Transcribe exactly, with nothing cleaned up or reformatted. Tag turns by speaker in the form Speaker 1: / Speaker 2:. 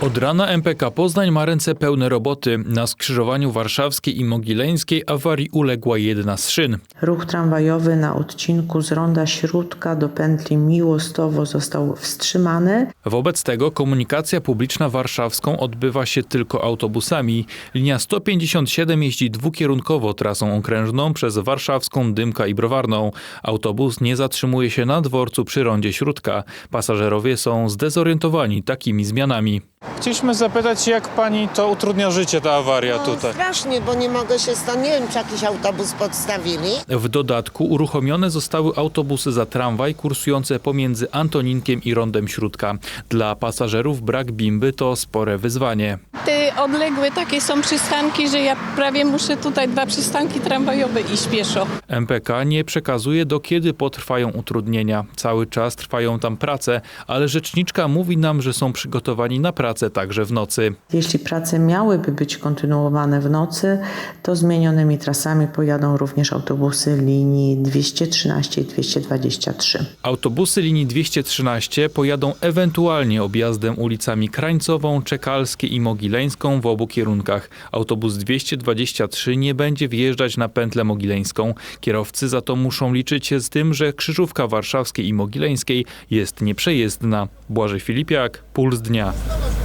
Speaker 1: Od rana M P K Poznań ma ręce pełne roboty. Na skrzyżowaniu warszawskiej i mogileńskiej awarii uległa jedna z szyn.
Speaker 2: Ruch tramwajowy na odcinku z ronda Śródka do pętli Miłostowo został wstrzymany.
Speaker 1: Wobec tego komunikacja publiczna warszawską odbywa się tylko autobusami. Linia sto pięćdziesiąt siedem jeździ dwukierunkowo trasą okrężną przez Warszawską, Dymka i Browarną. Autobus nie zatrzymuje się na dworcu przy rondzie Śródka. Pasażerowie są zdezorientowani takimi zmianami.
Speaker 3: Chcieliśmy zapytać, jak pani to utrudnia życie, ta awaria
Speaker 4: No,
Speaker 3: tutaj?
Speaker 4: strasznie, bo nie mogę się stąd, nie wiem, czy jakiś autobus podstawili.
Speaker 1: W dodatku uruchomione zostały autobusy za tramwaj kursujące pomiędzy Antoninkiem i rondem Śródka. Dla pasażerów brak bimby to spore wyzwanie.
Speaker 5: Te odległe takie są przystanki, że ja prawie muszę tutaj dwa przystanki tramwajowe iść pieszo.
Speaker 1: M P K nie przekazuje, do kiedy potrwają utrudnienia. Cały czas trwają tam prace, ale rzeczniczka mówi nam, że są przygotowani na pracę także w nocy.
Speaker 2: Jeśli prace miałyby być kontynuowane w nocy, to zmienionymi trasami pojadą również autobusy linii dwieście trzynaście i dwieście dwadzieścia trzy.
Speaker 1: Autobusy linii dwieście trzynaście pojadą ewentualnie objazdem ulicami Krańcową, Czekalskie i Mogileńską w obu kierunkach. Autobus dwieście dwadzieścia trzy nie będzie wjeżdżać na pętlę mogileńską. Kierowcy za to muszą liczyć się z tym, że krzyżówka warszawskiej i mogileńskiej jest nieprzejezdna. Błażej Filipiak, Puls Dnia.